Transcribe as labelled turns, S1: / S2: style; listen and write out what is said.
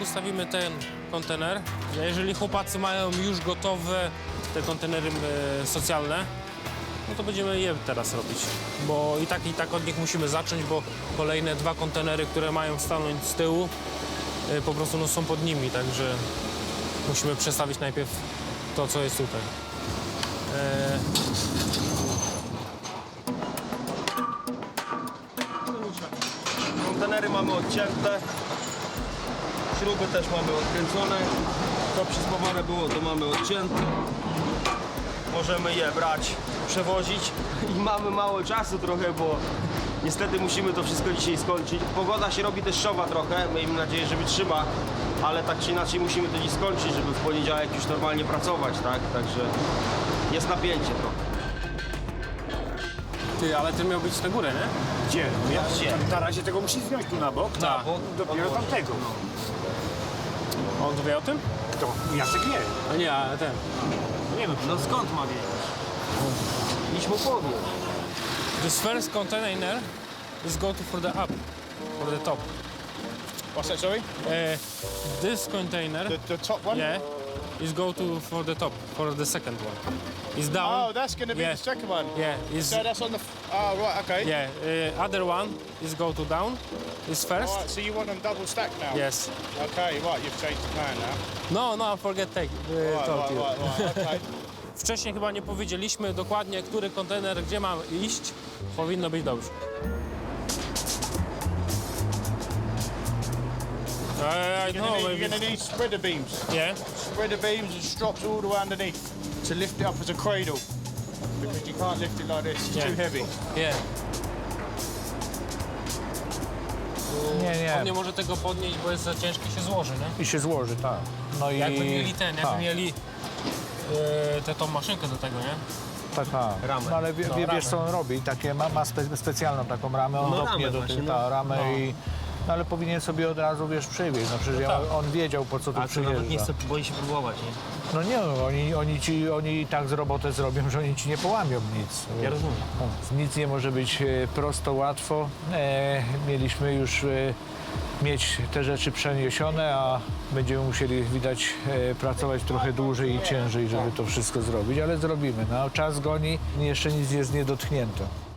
S1: ustawimy ten kontener. Jeżeli chłopacy mają już gotowe te kontenery socjalne, no to będziemy je teraz robić. Bo i tak od nich musimy zacząć, bo kolejne 2 kontenery, które mają stanąć z tyłu, po prostu no, są pod nimi, także musimy przestawić najpierw to, co jest tutaj.
S2: Kontenery mamy odcięte, śruby też mamy odkręcone, to przyspawane było, to mamy odcięte. Możemy je brać, przewozić i mamy mało czasu trochę, bo niestety musimy to wszystko dzisiaj skończyć. Pogoda się robi deszczowa trochę, miejmy nadzieję, że wytrzyma, ale tak czy inaczej musimy to dziś skończyć, żeby w poniedziałek już normalnie pracować, tak? Także jest napięcie trochę.
S1: Ty, ale ten miał być na górę, nie?
S3: Gdzie? Ja,
S2: Gdzie?
S3: Na razie tego musisz wziąć tu na bok,
S1: Tak.
S3: dopiero tamtego.
S1: On wie o tym?
S3: Kto? Jacek wie.
S1: A nie, a ten.
S3: Nie no,
S2: No skąd ma wiedzieć? Idź mu powiedz.
S1: This first container is go to for the up, for the top.
S4: What's that, sorry?
S1: This container,
S4: The top one?
S1: yeah, is go to for the top, for the second one. It's down.
S4: Oh, that's going to be
S1: Yeah.
S4: the second one.
S1: Yeah, is
S4: So that's on the... Oh, right, okay.
S1: yeah. Other one is go to down. Is first.
S4: All right, so you want them double stacked now?
S1: Yes.
S4: Okay, right, you've changed the plan now.
S1: No, forget take.
S4: Right,
S1: Told
S4: right,
S1: you.
S4: right, okay.
S1: Wcześniej chyba nie powiedzieliśmy dokładnie, który kontener gdzie ma iść. Powinno być dobrze. I know,
S4: You're
S1: maybe.
S4: going to need spreader beams.
S1: Yeah.
S4: Spreader beams and strops all the way underneath to lift it up as a cradle. Because you can't lift it like this, it's
S1: Yeah.
S4: too heavy.
S1: Yeah.
S5: Nie,
S1: On nie może tego podnieść, bo jest za ciężki, się złoży, nie?
S5: I się złoży, tak. No i
S1: Jakby mieli jakby
S5: tak,
S1: mieli tą maszynkę do tego, nie?
S5: tak.
S2: Ramę.
S5: No ale
S1: No,
S5: wiesz
S1: ramę.
S5: co on robi? Takie ma specjalną taką ramę, on
S2: No,
S5: dopnie
S2: ramę
S5: do
S2: właśnie,
S5: tej
S2: no.
S5: ramę
S1: No.
S5: i... No ale powinien sobie od razu, wiesz, przywieźć. No przecież
S1: tak.
S5: on wiedział, po co tu
S2: A to nawet nie
S5: przyjeżdża.
S2: chce, boi się próbować, nie?
S5: No nie, no, oni i tak z robotę zrobią, że oni ci nie połamią nic.
S2: Ja rozumiem.
S5: Nic nie może być prosto, łatwo. Mieliśmy już mieć te rzeczy przeniesione, a będziemy musieli, widać, pracować trochę dłużej i ciężej, żeby to wszystko zrobić, ale zrobimy. No, czas goni, jeszcze nic jest niedotknięte.